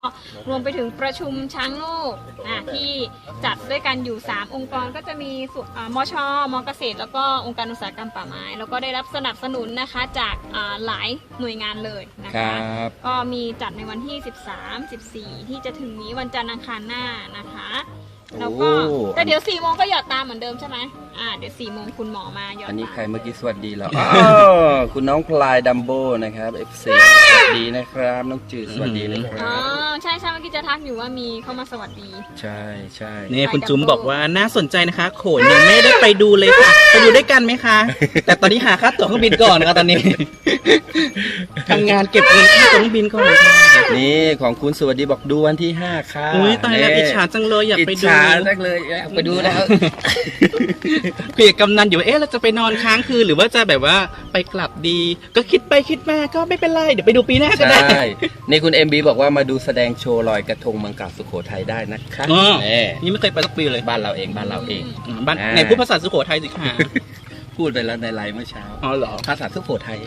รวมไปถึงประชุมช้างโลกที่จัดด้วยกันอยู่ 3 องค์กรก็จะมีมช.ม.เกษตรแล้วก็องค์การอุตสาหกรรมป่าไม้แล้วก็ได้รับสนับสนุนนะคะจากหลายหน่วยงานเลยนะคะก็มีจัดในวันที่ 13-14 ที่จะถึงนี้วันจันทร์อังคารหน้านะคะแล้วก็แต่เดี๋ยว 4 โมงก็หยอดตามเหมือนเดิมใช่ไหมเดี๋ยว 4 โมงคุณหมอมาหยอดตามอันนี้ใครเมื่อกี้สวัสดีแล้วคุณน้องพลายดัมโบนะครับ FC สวัสดีนะครับน้องจืดสวัสดีนะครับใช่เมื่อกี้จะทักอยู่ว่ามีเข้ามาสวัสดีใช่นี่คุณจุ๋มบอกว่าน่าสนใจนะคะโขนยังไม่ได้ไปดูเลยค่ะไปดูด้วยกันไหมคะแต่ตอนนี้หาค่าตั๋วเครื่องบินก่อนนะคะตอนนี้ทำงานเก็บเงินค่าตั๋วเครื่องบินก่อนนี่ของคุณสวัสดีบอกดูวันที่5ค่ะอุ้ยตายแล้วอิจฉาจังเลยอยากไปดูอิจฉาจังเลยอยากไปดูแล้วคุยกับกำนันอยู่เราจะไปนอนค้างคืนหรือว่าจะแบบว่าไปกลับดีก็คิดไปคิดมาก็ไม่เป็นไรเดี๋ยวไปดูปีหน้าก็ได้นี่คุณ MB บอกว่ามาดูแสดงโชว์ลอยกระทงเมืองเก่าสุโขทัยได้นะคะนี่ไม่เคยไปสักปีเลยบ้านเราเองบ้านในพูดภาษาสุโขทัยสิค่ะพูดไปแล้วในไลน์เมื่อเช้าอ๋อเหรอภาษาสุโขทัย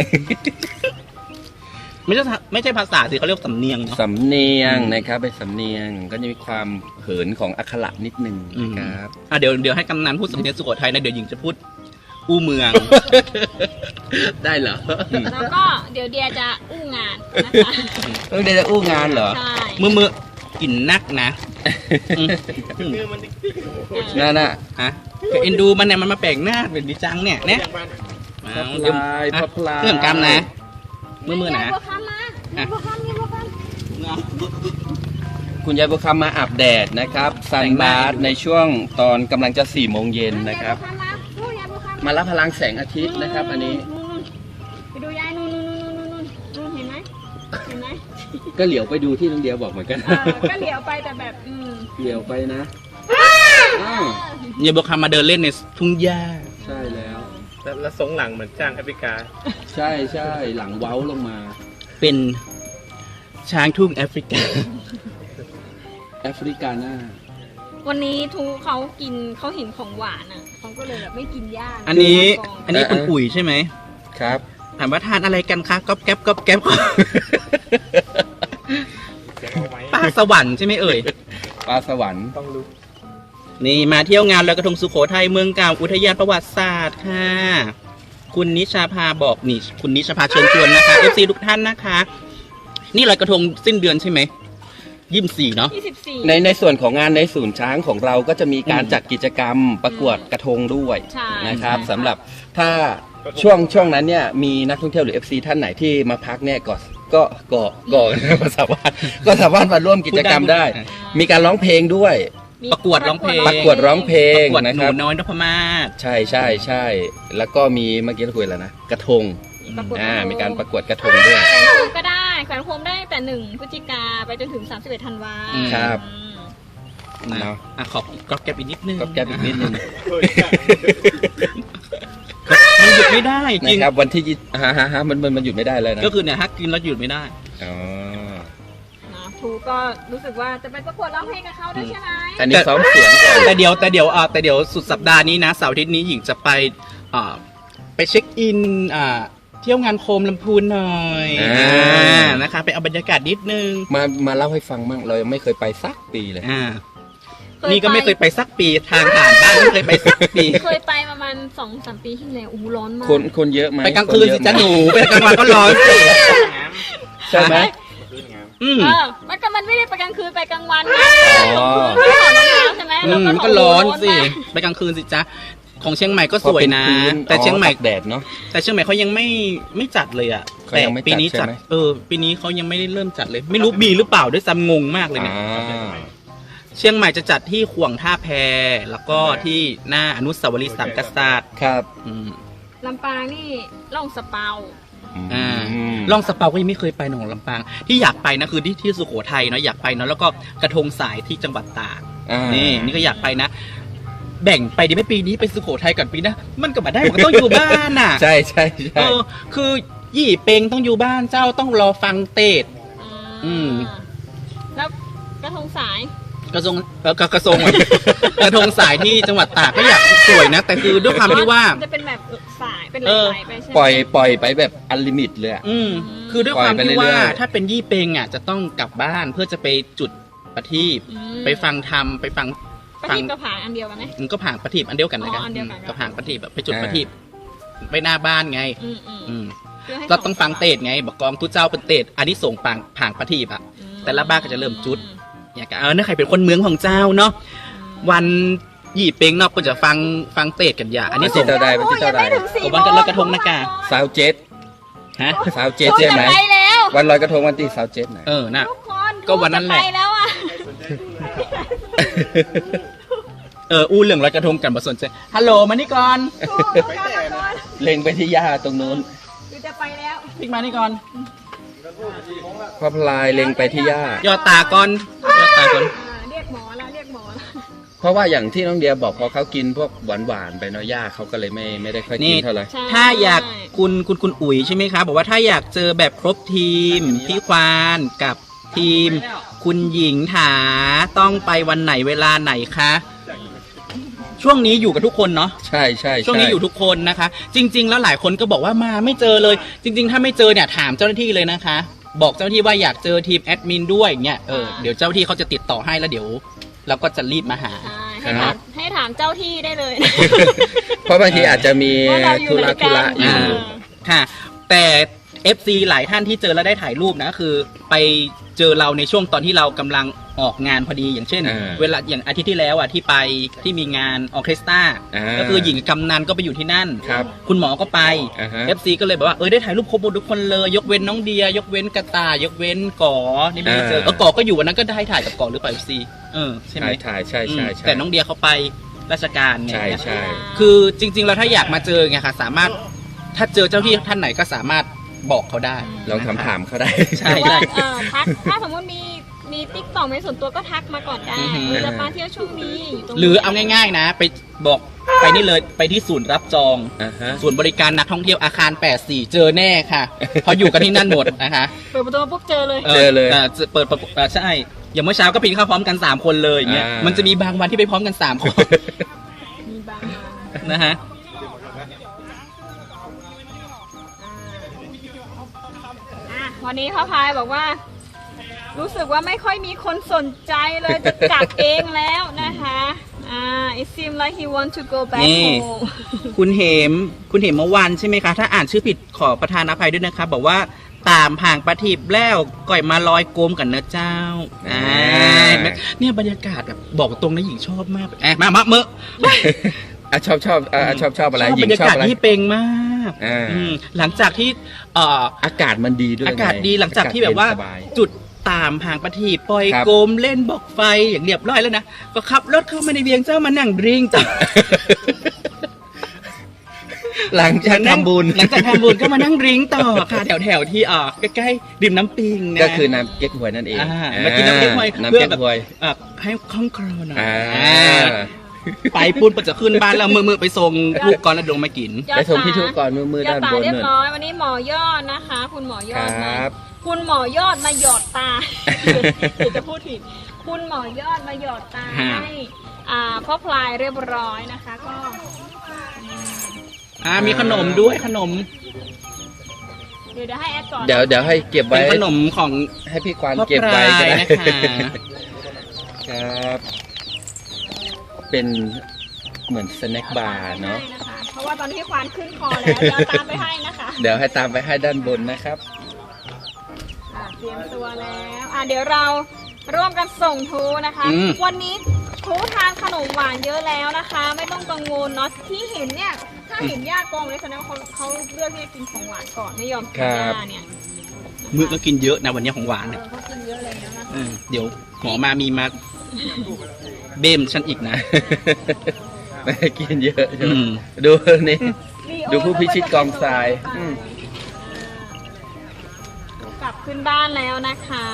ไม่ใช่ภาษาสิเขาเรียกสำเนียงสำเนียงนะครับเป็นสำเนียงก็จะมีความเหินของอักขระนิดนึงครับเดี๋ยวให้กำนันพูดสำเนียงสุโขทัยนะเดี๋ยวหญิงจะพูดอู้เมืองได้เหรอแล้วก็เดี๋ยวเดียจะอู้งานนะคะเดียจะอู้งานเหรอใช่มือกินนักนะนั่นน่ะเอ็นดูมันเนี่ยมันมาแปลงหน้าเป็นดิจังเนี่ยเรื่องกรรมนะมือนะคุณยายบุคคำมาอาบแดดนะครับซันบาร์ในช่วงตอนกำลังจะ4 โมงเย็นนะครับมารับพลังแสงอาทิตย์นะครับอันนี้ไปดูยายนู่นเห็นไหมก็เหลียวไปดูที่น้องเดียบอกเหมือนกันก็เหลียวไปแต่แบบเหลียวไปนะยายบุคคำมาเดินเล่นในทุ่งหญ้าใช่แล้วทรงหลังเหมือนจ้างแอฟริกาใช่หลังเว้าลงมาเป็นช้างทุ่งแอฟริกาหน้าวันนี้ทูเขาเห็นของหวานเขาก็เลยแบบไม่กินย่างอันนี้คุณปุ๋ยใช่ไหมครับถามว่าทานอะไรกันคะก๊อบแก๊บปลาสวรรค์ใช่ไหมเอ่ยปลาสวรรค์ต้องรู้นี่มาเที่ยวงานลอยกระทงสุโขทัยเมืองเก่าอุทยานประวัติศาสตร์ค่ะคุณนิชาภาบอกนี่คุณนิชาภาเชิญชวนนะคะ FC ทุกท่านนะคะนี่ลอยกระทงสิ้นเดือนใช่ไหม24เนาะในส่วนของงานในศูนย์ช้างของเราก็จะมีการจัดกิจกรรมประกวดกระทงด้วยนะครับสำหรับถ้าช่วงนั้นเนี่ยมีนักท่องเที่ยวหรือ FC ท่านไหนที่มาพักเนี่ยก็สามารถมาร่วมกิจกรรมได้มีการร้องเพลงด้วยประกวดร้องเพลงนะครับน้อยนพมาศใช่แล้วก็มีเมื่อกี้เราคุยแล้วนะกระทงมีการประกวดกระทงด้วยแขวนโคมก็ได้แขวนโคมได้แต่1 พฤศจิกาไปจนถึง31 ธันวาครับขอก๊อบแก๊บอีกนิดนึงมันหยุดไม่ได้จริงครับวันที่มันหยุดไม่ได้เลยนะก็คือเนี่ยกินแล้วหยุดไม่ได้ทูก็รู้สึกว่าจะไปประกวดร้องเพลงกับเขาด้วยใช่ไหมแต่นี่ซ้อมเสียงแต่เดี๋ยวสุดสัปดาห์นี้นะเสาร์อาทิตย์นี้หญิงจะไปเช็คอินเที่ยวงานโคมลำพูนหน่อยนะคะไปเอาบรรยากาศนิดนึงมาเล่าให้ฟังมั่งเรายังไม่เคยไปสักปีเลยนี่ก็ไม่เคยไปสักปีทางผ่านบ้านไม่เคยไปสักปีเคยไปประมาณ 2-3 ปีที่แล้วร้อนมากคนเยอะไหมไปกลางคืนสิจ้าหนูไปกลางวันก็ร้อนสิใช่ไหมมันไม่ได้ไปกลางคืนไปกลางวันไงไม่ถอดรองเท้าใช่ไหมมันก็ร้อนสิไปกลางคืนสิจ้าของเชียงใหม่ก็สวยนะแต่เชียงใหม่แดดเนาะแต่เชียงใหม่เขายังไม่จัดเลยอ่ะแต่ปีนี้จัดปีนี้เขายังไม่ได้เริ่มจัดเลยไม่รู้มีหรือเปล่าด้วยซ้ำงงมากเลยเนี่ยเชียงใหม่จะจัดที่ขวงท่าแพแล้วก็ที่หน้าอนุสาวรีย์สามกษัตริย์ครับลำปางนี่ล่องสเปาล่องสเปาก็ยังไม่เคยไปหนองลำปางที่อยากไปนะคือที่สุโขทัยเนาะอยากไปเนาะแล้วก็กระทงสายที่จังหวัดตากนี่ก็อยากไปนะแบ่งไปดีไหมปีนี้ไปสุโขทัยก่อนปีนะมันก็มาได้มันต้องอยู่บ้านน่ะใช่คือยี่เปงต้องอยู่บ้านเจ้าต้องรอฟังเตดแล้วกระทงสายกระทรวงกระทรวง กระทงสายที่จังหวัดตากก็อยากสวยนะ แต่คือด้วยความที่ว่าจะเป็นแบบสายเป็นไหลๆไปใช่ไหมปล่อยไปแบบอันลิมิตเลยอะคือด้วยความที่ปล่อยไปเรื่ว่าอยๆถ้าเป็นยี่เป็งอ่ะจะต้องกลับบ้านเพื่อจะไปจุดประทีปไปฟังธรรมไปฟังประทีปกับผางอันเดียวกันไหมมันก็ผ่างประทีปอันเดียวกันนะครับอ๋ออันเดียวกันก็ผ่างประทีปแบบไปจุดประทีปไปหน้าบ้านไงอืม พื่ให้เราต้องฟังเตดไงบอกกองทุเจ้าเป็นเตดอันนี้ส่งผ่างประทีปอ่ะ แต่ละบ้านก็จะเริ่มจุด อย่างกันถ้าใครเป็นคนเมืองของเจ้าเนาะวันยี่เป็งเนาะก็จะฟังเตดกันอย่าอันนี้ส่งเจ้าใดวันที่เจ้าใดวันกันลอยกระทงนะกาสาวเจ็ดฮะสาวเจ็ดโอ้ยใช่ไหมจะไปแล้ววันลอยกระทงวันที่สาวเจ็ดไหนน่ะทุกคนก็วันนั้นแหละจะไปแล้วอ่ะอู้เรื่องลอยกระทงกันมาสนใจฮัลโหลมานี่ก่อนถูกเอากลับมาก่อนเล็งไปที่ย่าตรงนู้นคือจะไปแล้วพิกมานี่ก่อนพอพลายเล็งไปที่ย่ายอดตาก่อนยอดตาก่อนเรียกหมอแล้วเรียกหมอแล้วเพราะว่าอย่างที่น้องเดียบอกพอเขากินพวกหวานๆไปเนาะย่าเขาก็เลยไม่ได้ค่อยกินเท่าไหร่ใช่ถ้าอยากคุณอุ๋ยใช่ไหมครับบอกว่าถ้าอยากเจอแบบครบทีมพี่ควานกับทีม คุณหญิงถาต้องไปวันไหนเวลาไหนคะช่วงนี้อยู่กับทุกคนเนาะใช่ใช่ช่วงนี้อยู่ทุกคนนะคะ จริง ๆ แล้วหลายคนก็บอกว่ามาไม่เจอเลย จริง ๆ ถ้าไม่เจอเนี่ยถามเจ้าหน้าที่เลยนะคะ บอกเจ้าหน้าที่ว่าอยากเจอทีมแอดมินด้วยเนี่ยเดี๋ยวเจ้าหน้าที่เขาจะติดต่อให้แล้วเดี๋ยวเราก็จะรีบมาหาใช่ให้ถามเจ้าที่ได้เลยเพราะบางทีอาจจะมีว่าเราอยู่ธุไหนระกันอยู่ค่ะแต่ FC หลายท่านที่เจอแล้วได้ถ่ายรูปนะคือไปเจอเราในช่วงตอนที่เรากำลังออกงานพอดีอย่างเช่น เวลาอย่างอาทิตย์ที่แล้วอ่ะที่ไปที่มีงานออร์เคสตราก็คือหญิงกำนันก็ไปอยู่ที่นั่นครับคุณหมอก็ไปฮะ FC ก็เลยบอกว่าได้ถ่ายรูปครบหมดทุกคนเลยยกเว้นน้องเดียยกเว้นกระต่ายยกเว้นก่อนี่ไม่ได้เจอก่อก็อยู่วันนั้นก็ได้ถ่ายกับก่อหรือเปล่า FC ใช่ไหมถ่ายใช่ใช่ใช่แต่น้องเดียเขาไปราชการไงใช่ใช่คือจริงๆเราถ้าอยากมาเจอไงค่ะสามารถถ้าเจอเจ้าที่ท่านไหนก็สามารถบอกเขาได้ลองถามเขาได้ใช่หรือว่าใช่ทักถ้าสมมติมีติ๊กต็อกในส่วนตัวก็ทักมาก่อนได้อือหือจะมาเที่ยวช่วงนี้อยู่ตรงนี้หรือเอาง่ายๆนะ ไปบอกไปนี่เลยไปที่ศูนย์รับจอง ศูนย์บริการนักท่องเที่ยวอาคาร 84 เจอแน่ค่ะ เพราะอยู่กันที่นั่นหมดนะคะเปิดประตูมาปุ๊บเจอเลยเจอเลยเปิดใช่อย่างเมื่อเช้าก็ปีนเข้าพร้อมกัน 3 คนเลยอย่างเงี้ยมันจะมีบางวันที่ไปพร้อมกัน 3 คนมีบางนะฮะวันนี้พ่อพายบอกว่า รู้สึกว่าไม่ค่อยมีคนสนใจเลยจะกลับเองแล้วนะคะ it seems like he want to go back นี่ home คุณเหมเมื่อวานใช่ไหมคะ ถ้าอ่านชื่อผิดขอประทานอภัยด้วยนะคะบอกว่าตามห่างประทีปแล้วก่อยมาลอยโกมกันนะเจ้าเนี่ยบรรยากาศแบบบอกตรงนะหญิงชอบมากมาเมื่อชอบอะไรหญิบรง รยาชอบกาศอะไรที่เป็งมาก หลังจากที่อากาศมันดีด้วยอากาศดีหลังจากที่แบบว่าสยจุดตามห่างประทีปปล่อยครับโกมเล่นบอกไฟอย่างเรียบร้อยแล้วนะก็ขับรถเข้ามาในเวียงเจ้ามานั่งดริงจ้ะหลังจากทำบุญหลังจากทำบุญก็มานั่งดริงต่อค่ะแถวที่ใกล้ๆริมน้ำปิงนะก็คือน้ำเก๊กฮวยนั่นเองมากินน้ำเก๊กฮวยน้ำเพื่อเก๊กแบบฮวยให้คล่องคลอหน่อยไปไปปุ้นจะขึ้นบ้านแล้วมือไปส่งลูกก่อนแล้วลงมากินไปส่งพี่ทุกก่อนมือด้านบนเรียนู่บนร้อยวันนี้หมอยอดนะคะ คุณหมอยอดคมารับคุณหมอยอดมาหยอดตา เดี๋ยวจะพูดผิดคุณหมอยอดมาหยอดตาฮะให้พ่อพลายเรียบร้อยนะคะก็มีขนมด้วยขนมเดี๋ยวให้แอดก่อนเดี๋ยวให้เก็บเป็ไว้นขนมของให้พี่ควานพ่อเก็บไว้ก็ได้พลายนะคะครับ เป็นเหมือนสแน็คบาร์เนาะให้นะคะเพราะว่าตอนนี้ควานขึ้นคอแล้วเดี๋ยวตามไปให้นะคะเดี๋ยวให้ตามไปให้ด้านบนนะครับเตรียมตัวแล้วเดี๋ยวเราร่วมกันส่งทูนะคะ วันนี้ทูทานขนมหวานเยอะแล้วนะคะ ไม่ต้องกังวลเนาะที่เห็นเนี่ยถ้าเห็นย่ากองเลยแสดงว่าเขาเลือกที่จะกินของหวานก่อนไม่ยอมกินย่าเนี่ยมือก็กินเยอะนะวันนี้ของหวานเนี่ยเขากินเยอะเลยนะคะเดี๋ยวหมอมามีมาเบ้มฉันอีกนะไม่ให้กินเยอะใช่ไหมอืมดูนี่ ดูผู้พิชิตกองทรายกลับขึ้นบ้านแล้วนะคะ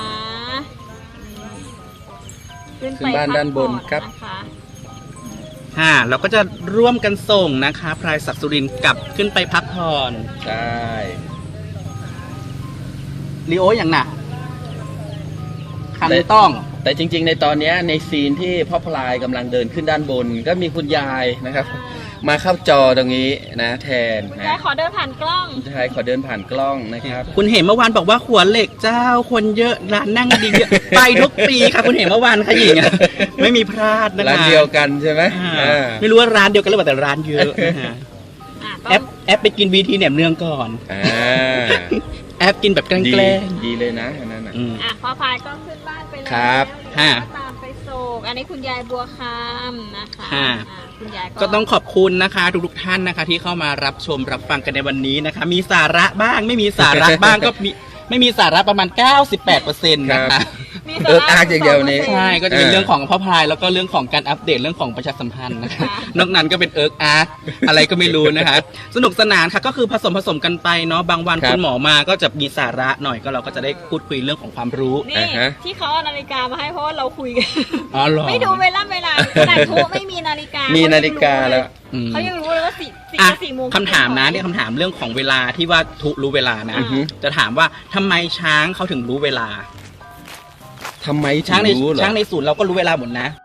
ขึ้นไปขึ้นบ้านด้านบนครับนะคะเราก็จะร่วมกันส่งนะคะพลายศักดิ์สุรินทร์กลับขึ้นไปพักผ่อนใช่ลีโออย่างหนักคคันต้องแต่จริงๆ ในตอนเนี้ยในซีนที่พ่อพลายกำลังเดินขึ้นด้านบน ก็มีคุณยายนะครับ มาเข้าจอตรงนี้นะแทนคุณนะยายขอเดินผ่านกล้องใช่ขอเดินผ่านกล้องนะครับคุณเห็นเมื่อวานบอกว่าขวเหล็กเจ้าคนเยอะร้านนั่งดีเยอะ ไปทุกปีค่ะคุณเห็นเมื่อวานค่ะหญิงอะไม่มีพลาดนะคะร้านเดียวกันใช่ไหมอ่าไม่รู้ว่าร้านเดียวกันหรือเปล่าแต่ร้านเยอะนะคะอ่ะแอปไปกินวีทีแหนมเนืองก่อนอ่าแอปกินแบบแกล้ดีงดีเลยนะอันนั้นน่ะๆอืมอ่ะพ่อพายก็ขึ้นบ้านไปแล้วครับเดี๋ยวก็ตามไปส่งอันนี้คุณยายบัวคำนะคะค่ะอ่ะคุณยายก็ต้องขอบคุณนะคะทุกๆท่านนะคะ ที่เข้ามารับชมรับฟังกันในวันนี้นะคะ มีสาระบ้างไม่มีสาระบ้างก็มีไม่มีสาระประมาณ 98% นะคะมีเอิ๊กอาร์กอย่างเดียวนี่ใช่ก็จะเป็นเรื่องของพ่อพลายแล้วก็เรื่องของการอัปเดตเรื่องของประชาสัมพันธ์นะคะนอกนั้นก็เป็นเอิร์กอาร์ตอะไรก็ไม่รู้นะคะ สนุกสนานค่ะก็คือผสมกันไปเนาะบางวันครับคุณหมอมาก็จะมีสาระหน่อยก็เราก็จะได้พูดคุยเรื่องของความรู้นี่อ่าฮะที่เขาเอานาฬิกามาให้เพราะว่าเราคุยกันอ๋อเหรอไม่ดูเวลาขนาดทุไม่มีนาฬิกามีมีนาฬิกาแล้วอืมเขายังรู้เลยว่าสี่อ่ะ 4 โมงคำถามนะเนี่ยคำถามเรื่องของเวลาที่ว่าทุรู้เวลานะอือฮึจะถามว่าทำไมช้างเขาถึงรู้เวลาทำไมถึช้างงในรู้เหรอช้างในศูนย์เราก็รู้เวลาหมดนะ